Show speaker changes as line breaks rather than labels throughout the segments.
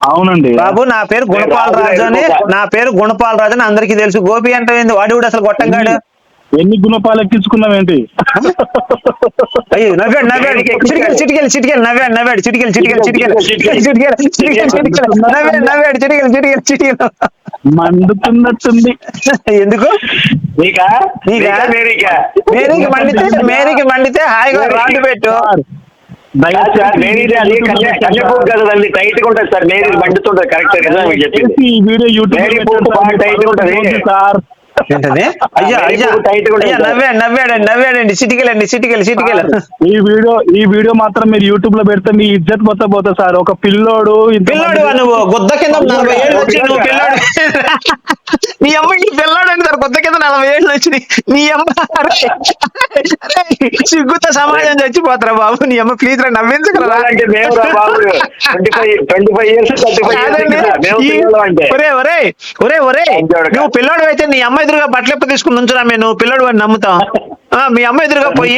అవునండి
బాబు నా పేరు గుణపాల్ రాజు అని, నా పేరు గుణపాల్ రాజు అని అందరికీ తెలుసు. గోపి అంటే ఏంది వాడు కూడా అసలు గొట్టంగాడు.
ఎన్ని గుణపాలు ఎక్కించుకున్నావేంటి?
అయ్యో నవ్వాడు నవ్వాడు చిటికెలు చిటికెలు చిటికెలు నవ్వాడు నవ్వాడు చిటికెలు చిటికెలు చిటికెలు చిటికెలు చిటికెలు చిటికెలు నవ్వాడు నవ్వాడు చిటికెలు చిటికెలు చిటికెలు
మండుతున్నట్టుంది.
ఎందుకు
నీకా
నీకా
మేరీకా
మేరీకి మండితే హాయిగా రాండి పెట్టు.
మేరీది అది కన్యాపూర్ కదా, అది టైట్ గా ఉంటుంది సార్. మేరీ మండుతుంటది. కరెక్ట్ కదా మీకు చెప్పింది.
ఈ వీడియో
మేరీ పూర్తి బాగా టైట్ గా ఉంటది
సార్.
ఏంటది? అయ్యా అయ్యా అయ్యా నవ్వాడండి నవ్వాడండి చిటికెలండి చిటికెలు చిటికెలు.
ఈ వీడియో మాత్రం మీరు యూట్యూబ్ లో పెడితే మీ ఇజ్జత్ మొత్తం పోతుంది సార్. ఒక పిల్లోడు
నువ్వు గుద్ద కింద 40 ఏళ్ళు వచ్చి నువ్వు పిల్లోడు నీ అమ్మ ఈ పిల్లోడు అంటే సార్ గుద్ద కింద 40 ఏళ్ళు వచ్చినాయి నీ అమ్మ. సిగ్గుతో సమాజం చచ్చిపోతారా బాబు. నీ అమ్మ ప్లీజ్ రా నవ్వించగలరా. నువ్వు పిల్లోడు అయితే నీ అమ్మ ఎదురుగా బట్టలు ఎప్పుడు తీసుకుని ఉంచురా. నువ్వు పిల్లోడు వాడిని నమ్ముతాం. మీ అమ్మ ఎదురుగా పోయి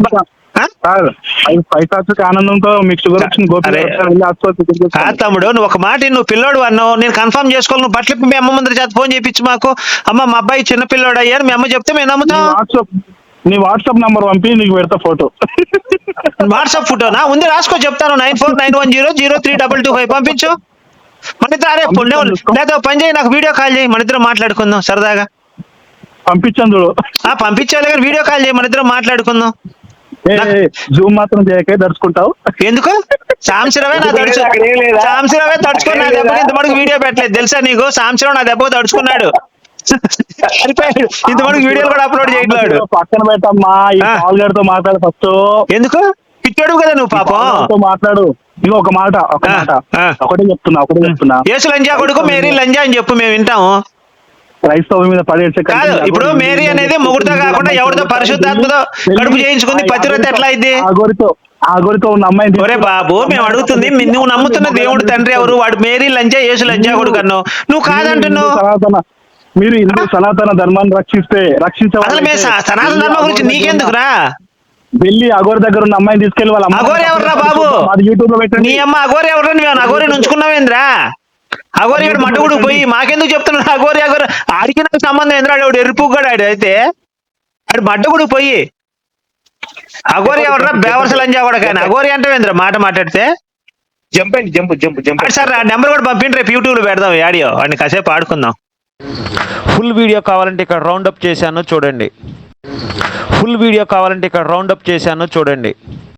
ఆనందంతో మీకు షుగర్ వచ్చింది
తమ్ముడు నువ్వు ఒక మాట నువ్వు పిల్లోడు అన్నావు, నేను కన్ఫర్మ్ చేసుకోవాలి. నువ్వు బట్టలు మీ అమ్మ ముందర చేత ఫోన్ చేయించు మాకు. అమ్మ మా అబ్బాయి చిన్న పిల్లోడు అయ్యారు మీ అమ్మ చెప్తే మేము నమ్ముతాం.
నీ వాట్సాప్ నంబర్ పంపి నీకు పెడతా ఫోటో.
వాట్సాప్ ఫోటోనా ఉంది రాసుకో చెప్తాను. 9491032225 పంపించు. మన ఇద్దరు అరే లేదా పని చేయి నాకు వీడియో కాల్ చేయి మన ఇద్దరం మాట్లాడుకుందాం సరదాగా.
పంపించాను చూడు.
పంపించాలి కానీ వీడియో కాల్ చేయి మన ఇద్దరం మాట్లాడుకుందాం.
జూమ్ మాత్రం చేయకే దడుచుకుంటావు. ఎందుకు
సాంశిరవే నా సాంశిరవే తడుచుకుని నా దెబ్బకి ఇంతమటుకు వీడియో పెట్టలేదు తెలుసా నీకు. సాంశిరవ్ నా దెబ్బ తడుచుకున్నాడు సరిపోయాడు. ఇంతమటుకు వీడియోలు కూడా అప్లోడ్ చేయట్లేడు.
పక్కన పెట్టమ్మా ఈ కాల్ గడితో మాట్లాడు ఫస్ట్.
ఎందుకు పిచ్చాడు కదా నువ్వు పాపం
మాట్లాడు. ఇక ఒక మాట ఒకటే చెప్తున్నా
యేసు లంజా కొడుకు మేరీ లంజా అని చెప్పు మేము వింటాము.
క్రైస్తవ మీద
కాదు ఇప్పుడు మేరీ అనేది మొగుడుతో కాకుండా ఎవరితో పరిశుద్ధాత్మతో కడుపు చేయించుకుంది పతివ్రత ఎట్లా అయింది?
ఆగోరితో ఉన్న అమ్మాయి.
ఒరే బాబు మేము అడుగుతుంది నువ్వు నమ్ముతున్న దేవుడు తండ్రి ఎవరు? వాడు మేరీ లంజా యేసు లంజా కొడుకు అన్నావు. నువ్వు కాదంటున్నావు.
మీరు హిందూ సనాతన ధర్మాన్ని రక్షించాలి.
సనాతన ధర్మం గురించి నీకెందుకురా?
వెళ్ళి అగోరి దగ్గర ఉన్న అమ్మాయిని తీసుకెళ్ళి వాళ్ళ
అగోరి ఎవర్రా బాబు?
యూట్యూబ్ లో పెట్టండి.
నీ అమ్మ అగోరి ఎవర్రా? నువ్వు అగోరిని ఉంచుకున్నావేంద్రా? అగోరి ఇక్కడ మట్టుగుడు పోయి మాకెందుకు చెప్తున్నాడు? అగోరి ఆడికి నాకు సంబంధం ఏంద్రా? ఆడు ఎరుపుగాడు ఆడు అయితే ఆడు మడ్డగుడు పోయి అగోరి ఎవర్రా? బేవర్స లంజా కూడా కానీ అగోరి అంటావేంద్రా మాట మాట్లాడితే? సార్ ఆ నెంబర్ కూడా పంపిండి రేపు యూట్యూబ్ లో పెడదాం ఆడియో. వాడిని కాసేపు ఆడుకుందాం. ఫుల్ వీడియో కావాలంటే ఇక్కడ రౌండప్ చేశాను చూడండి.